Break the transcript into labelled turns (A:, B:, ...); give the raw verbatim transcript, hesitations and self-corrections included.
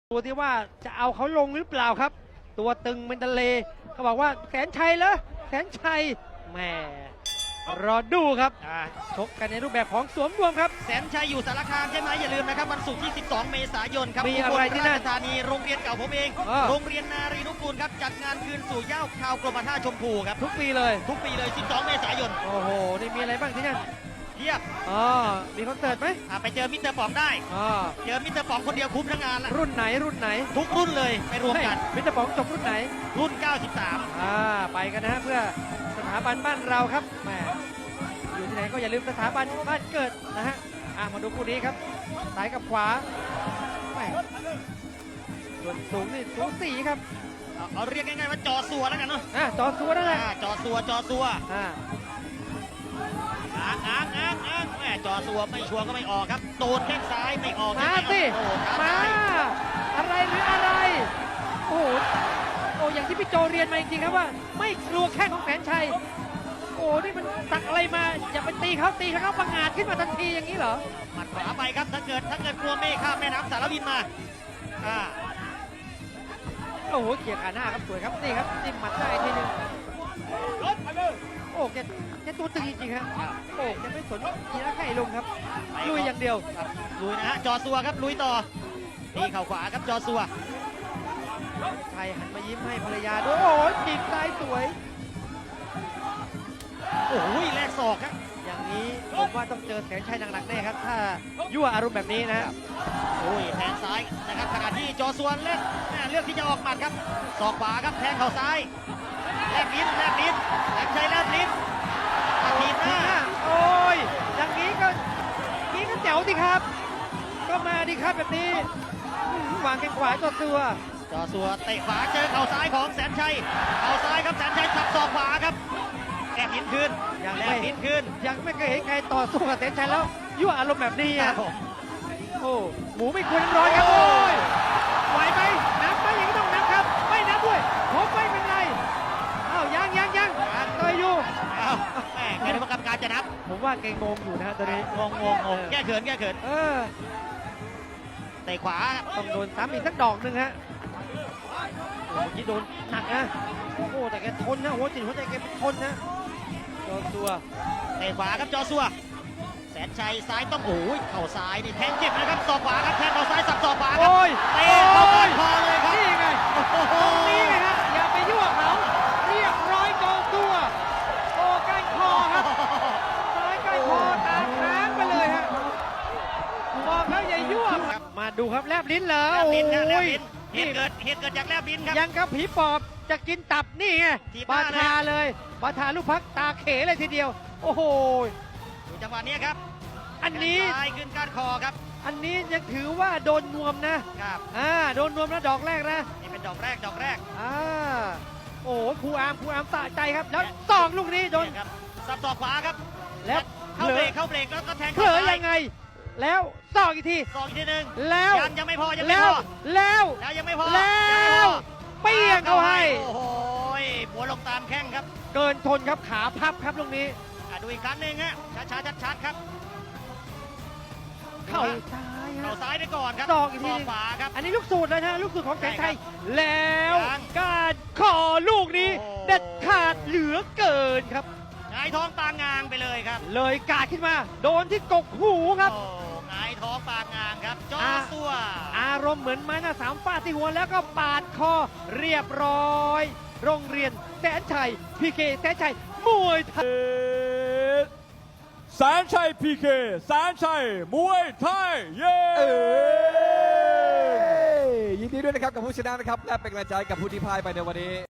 A: ตัวที่ว่าจะเอาเขาลงหรือเปล่าครับตัวตึงเป็นทะเลเขาบอกว่าแสนชัยเหรอแสนชัยแหมรอดูครับชกกันในรูปแบบของสวมรวมครับ
B: แสนชัยอยู่สารคามใช่ไหมอย่าลืมนะครับวันศุกร์ที่สิบสองเมษายนครับ
A: มีอะไรที่นั่น
B: ธานีโรงเรียนเก่าผมเองโรงเรียนนารีนุกูลครับจัดงานคืนสู่เหย้าข่าวกรมท่าชมพูครับ
A: ทุกปีเลย
B: ทุกปีเลยสิบสองเมษายน
A: โอ้โหนี่มีอะไรบ้างที่นั่น
B: เทียบ
A: อ๋อมีคอนเสิร์ตไหม
B: ไปเจอมิสเตอร์ป๋องได้
A: อ๋อ
B: เจอมิสเตอร์ป๋องคนเดียวคุ้มทั้งงานละ
A: รุ่นไหนรุ่นไหน
B: ทุกรุ่นเลยไปรวมกัน
A: มิสเตอร์ป๋องจบรุ่นไหน
B: รุ่นเก้าสิบสาม
A: อ่าไปกันนะฮะเพื่อสถาบันบ้านเราครับแหมอยู่ที่ไหนก็อย่าลืมสถาบันบ้านเกิดนะฮะอ่ามาดูคู่นี้ครับซ้ายกับขวาแหมส่วนสูงนี่สูงสี่ครับ
B: เอาเรียกง่ายๆว่าจอสัวแล้วกันเนาะ
A: อ่าจอสัวนั่นแหละ
B: จอสัวจอสัว
A: อ่า
B: อ้างอ้างอ้างอ้างแม่จอสัวไม่ชัวร์ก็ไม่ออกครับโดนแข้งซ้ายไม่ออก
A: มาสิมาอะไรหรืออะไรโอ้โหโอ้อย่างที่พี่โจเรียนมาจริงๆครับว่าไม่กลัวแข้งของแสนชัยโอ้นี่มันตักอะไรมาอย่าไปตีเขาตีเขาประงาดขึ้นมาทันทีอย่างนี้เหรอ
B: หมัดขวาไปครับถ้าเกิดถ้าเกิดกลัวไม่ข้ามแม่น้ำสารวินมาอ่า
A: โอ้โหเขี่ยขาหน้าครับสวยครับนี่ครับจิ้มหมัดได้ทีนึงโอ้แกแกตัวตึงจริงๆครับโอ้แกไม่สนทีละไข่ลงครับลุยอย่างเดียว
B: ลุยนะฮะจอสัวครับลุยต่อตีเข่าขวาครับจอสัว
A: ชัยหันมายิ้มให้ภรรยาด้วยโอ้ยจีบซ้ายสวย
B: โอ้ยแลกศอกครับ
A: อย่างนี้ผมว่าต้องเจอแสนชัยหนักๆแน่ครับถ้ายั่วอารมณ์แบบนี้นะ
B: โอ้ยแทงซ้ายนะครับขณะที่จอสัวเล่นเลือกที่จะออกหมัดครับศอกขวาครับแทงเข่าซ้ายแลกลิ้นแลกลิ้นแสนชัยแลกลิ้นทีหน้า
A: โอ้ยอย่างนี้ก็นี้ก็แจ๋วสิครับก็มาดิครับแบบนี้วางแข้งขวาจอสัว
B: จอสัวเตะขวาเจอเข่าซ้ายของแสนชัยเข่าซ้ายครับแสนชัยสับศอกขวาครับแลกลิ้นคืน
A: ยัง
B: แลกลิ้นคืน
A: ยังไม่เคยเห็นใครต่อสู้กับแสนชัยแล้วยั่วอารมณ์แบบนี้อ่ะโอ้หมูไม่ควรน้ำร้อนครับโอ้ยไหวไหมนับไหมอย่างนี้ต้องนับครับไม่นับด้วยผมไม่เป็นไรอ้าวยังยังยังต่อยอยู่
B: อ้าวแม่แกนึกว่ากรรมการจะนับ
A: ผมว่าเก่งงงอยู่นะตอนนี้
B: งงงงงแก้เขินแก้เขิน
A: เออ
B: เตะขวา
A: ต้องโดนซ้ำอีกสักดอกหนึ่งฮะเมื่อกี้โดนหนักนะโอ้แต่แกทนนะหัวจิตหัวใจแกเป็นทนนะจอสัว
B: เตะขวาครับจอสัวแสนชัยซ้ายต้องโอ้ยเข่าซ้ายนี่แทงเจ็บนะครับศอกขวาครับแทงเข่าซ้ายสับศอกขวาครับเตะเข้าก้านคอเลยครับ
A: นี่ไงตรงนี้ไงฮะอย่าไปยั่วเขาเรียบร้อยจอสัวโอ้ก้านคอครับซ้ายก้านคอตาค้างไปเลยฮะบอกแล้วอย่ายั่วมาดูครับแลบลิ้นเหรอโอ้ย
B: เหตุเกิดเหตุเกิดจากแลบลิ้นครับ
A: ยังกับผีปอบจะกินตับนี่ไงบาทาเลยบาทาลูกพักตาเขเลยทีเดียวโอ้โห
B: ดูจังหวะนี้ครับ
A: อันนี้
B: ขึ้นก้านคอครับ
A: อันนี้ยังถือว่าโดนนวมนะครับอ่าโดนนวมนะดอกแรกนะ
B: นี่เป็นดอกแรกดอกแรก
A: อ่าโอ้ครูอามครูอามสะใจครับแล้วสองลูกนี้โดน
B: ครับสับศอกขวาครับ
A: แล้ว
B: เข้าเบรกเข้าเบรกแล้วก็แทง
A: เผลอยังไงแล้วสองอีกที
B: สองอีกทีหนึ่ง
A: แล้ว
B: ยังยังไม่พอยังไม่พอ
A: แล้ว
B: แล้วยังไม่พอ
A: แล้วเปี้ยงเขาให้
B: โอ้โหหัวลงตามแข้งครับ
A: เกินทนครับขาพับครับลูกนี้
B: ดูอีกครั้งหนึ่งฮะช้าๆชัดๆครับ
A: เข่าซ้าย
B: เข่าซ้ายไปก่อนครับ
A: ศอกอีกที
B: ขวาครับ
A: อันนี้ลูกสูตรเลยนะลูกสูตรของแสนชัยแล้วการขอลูกนี้เด็ดขาดเหลือเกินครับ
B: หงายท้องปางงางไปเลยครับ
A: เลยกาดขึ้นมาโดนที่กกหูครับ
B: หงายท้องปางงางครับจอสัว
A: อารมณ์เหมือนไม้หน้าสามฟาดที่หัวแล้วก็ปาดคอเรียบร้อยโรงเรียนแสนชัยพีเคแสนชัยมวยไทย
C: แสนชัยพีเคแสนชัยมวยไทยเย้
D: ยินดีด้วยนะครับกับผู้ชนะนะครับและเป็นกำลังใจกับผู้ที่พ่ายไปในวันนี้